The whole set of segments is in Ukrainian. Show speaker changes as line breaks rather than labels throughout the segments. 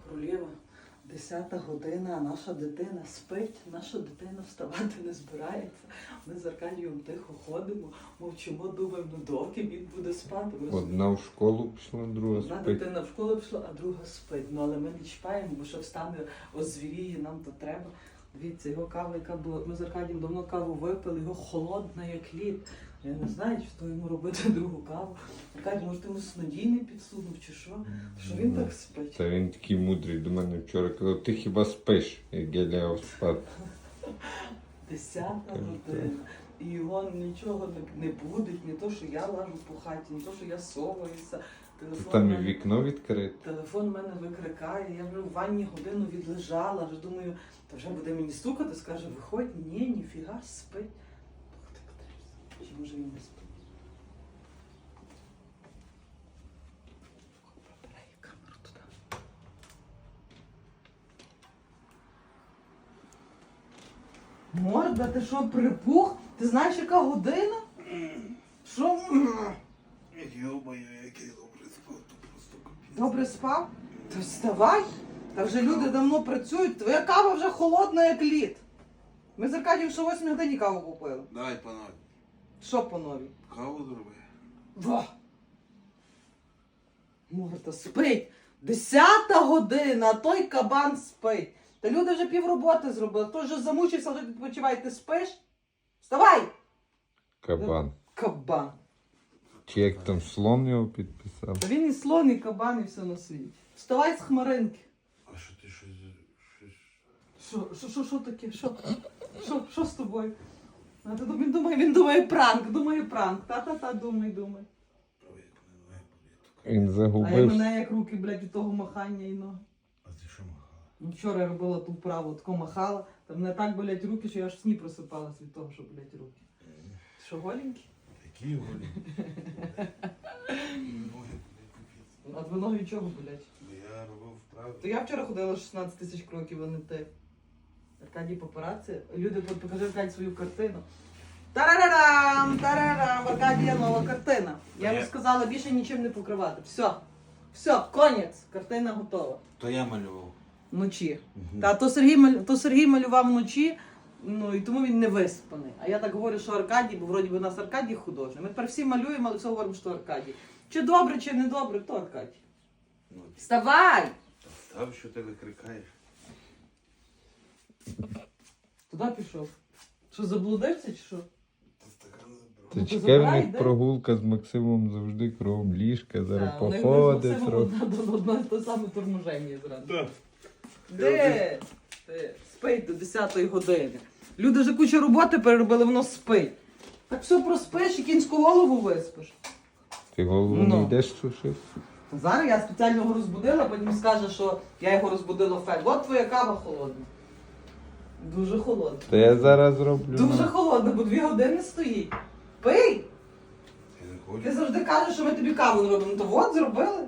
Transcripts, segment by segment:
Королєва, 10 година, а наша дитина спить, наша дитина вставати не збирається. Ми з Аркадієм тихо ходимо, мовчимо, думаємо, ну доки він буде спати.
Одна в школу пішла, друга
Одна
спить.
дитина в школу пішла, а друга спить. Ну але ми не чіпаємо, бо що встане, озвіріє, нам то треба. Дивіться, його кава, яка була, ми з Аркадієм давно каву випили, його холодна, як лід. Я не знаю, що йому робити другу каву. Аркадій, може, ти йому снодійний підсунув чи що? Що він так спить?
Та він такий мудрий до мене вчора казав, ти хіба спиш, як я лягав спати.
10 година. І його нічого не будить, не то, що я лажу по хаті, не то, що я соваюся.
Там і вікно відкрите.
Телефон мене викрикає, я вже в ванні годину відлежала, вже думаю, та вже буде мені стукати, скаже, виходь, ні, ніфіга, спить. Чи може він не спить? Прибирай камеру туди. Морда, ти що, припух? Ти знаєш, яка година? Що?
Йо-моє, як я добре спав, то просто капець.
Добре спав? То вставай. Та вже люди давно працюють, твоя кава вже холодна, як лід. Ми з Аркадієм ще 8 годині каву купили.
Дай, панове,
Що по новій?
каву зроби.
Во! Морда, спить. 10 година, а той кабан спить. Та люди вже півроботи зробили. Хтось вже замучився, вже відпочивай, ти спиш? Вставай!
Кабан.
Кабан.
Чи як там слон його підписав?
Та він і слон, і кабан, і все на світі. Вставай з хмаринки.
А що ти щось...
Що таке? Що з тобою? А ти він думає пранк. Та, думай.
Ой, як мене ноги болять.
Він
А я
загубився.
мене як руки, блядь, від того махання і ноги.
А ти що махала?
Ну, вчора я робила ту вправу, тако махала, та мене так болять руки, що я аж в сні просипалась від того, що болять руки. Що, голенький?
Які голі? Ноги болять капець.
А твої ноги від чого болять?
Бо я робив вправи.
То я вчора ходила 16 тисяч кроків, а не ти. Аркадій папараці. Люди, покажи Аркадій свою картину. Тарарарам! Аркадія нова картина. Я йому сказала більше нічим не покривати. Все, конець. Картина готова.
То я малював.
Вночі.
Мгм.
Та то Сергій малював вночі, ну і тому він не виспаний. А я так говорю, що Аркадій, бо вроді би у нас Аркадій художник. Ми тепер всі малюємо, але все говоримо, що Аркадій. Чи добре, чи не добре, то Аркадій.
Ну,
Вставай!
та встав, що ти викрикаєш.
Туди пішов. Що, заблудився чи що?
Та стакан забрав.
Та
Ну,
чекай, в
забирай,
них
де?
прогулка з Максимом завжди кругом ліжка, зараз
Так, у них
походить
Максимом
трохи.
одне те саме торможення зразу.
Так.
Де? Ти? Спить до 10-ї години. Люди вже кучу роботи переробили, воно спить. Так все проспиш і кінську голову виспиш.
Ти голову
Ну.
не йдеш сушити?
Зараз я спеціально його розбудила, потім скаже, що я його розбудила фель. От твоя кава холодна. Дуже холодна.
Та я зараз зроблю.
Дуже
ну.
холодна, бо 2 години стоїть. Пий!
Я не хочу.
Ти завжди кажеш, що ми тобі каву не робимо. То от зробили.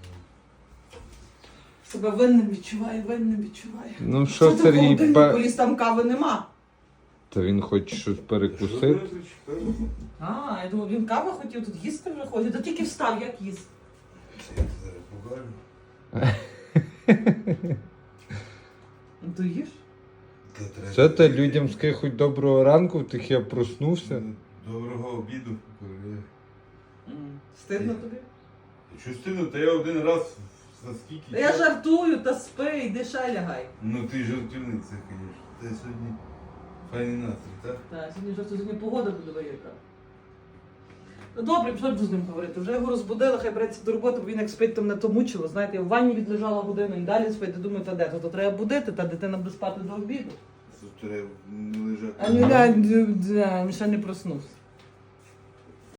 Себе винним відчуваю.
Ну що,
ти в
Сергій,
холодильнику поліз, там кави нема.
Та він хоче щось
Що
перекусити.
ти зачекав?
А, я думаю, він кави хотів, тут їсти вже ходить. Та тільки встав, як їсти.
Це я тебе зараз покажу.
Ну то їж.
Та треба-
Що ти людям скажи хоч доброго ранку, в тих я проснувся.
Доброго обіду. королева.
Стидно тобі?
Що стидно, та я один раз за скільки?
Та я
часу-
жартую, та спи, йди ще лягай.
Ну ти жартівниця, звісно. Та сьогодні файний настрій, так?
Так, сьогодні погода буде яка. Ну добре, що буду з ним говорити. Вже його розбудила, хай береться до роботи, бо він як спить, то мене то мучило. Знаєте, я в ванні відлежала годину і далі спить. Я думаю, та де? То треба будити, та дитина буде спати до обіду.
Тут треба не лежати.
А ну він ще не проснувся.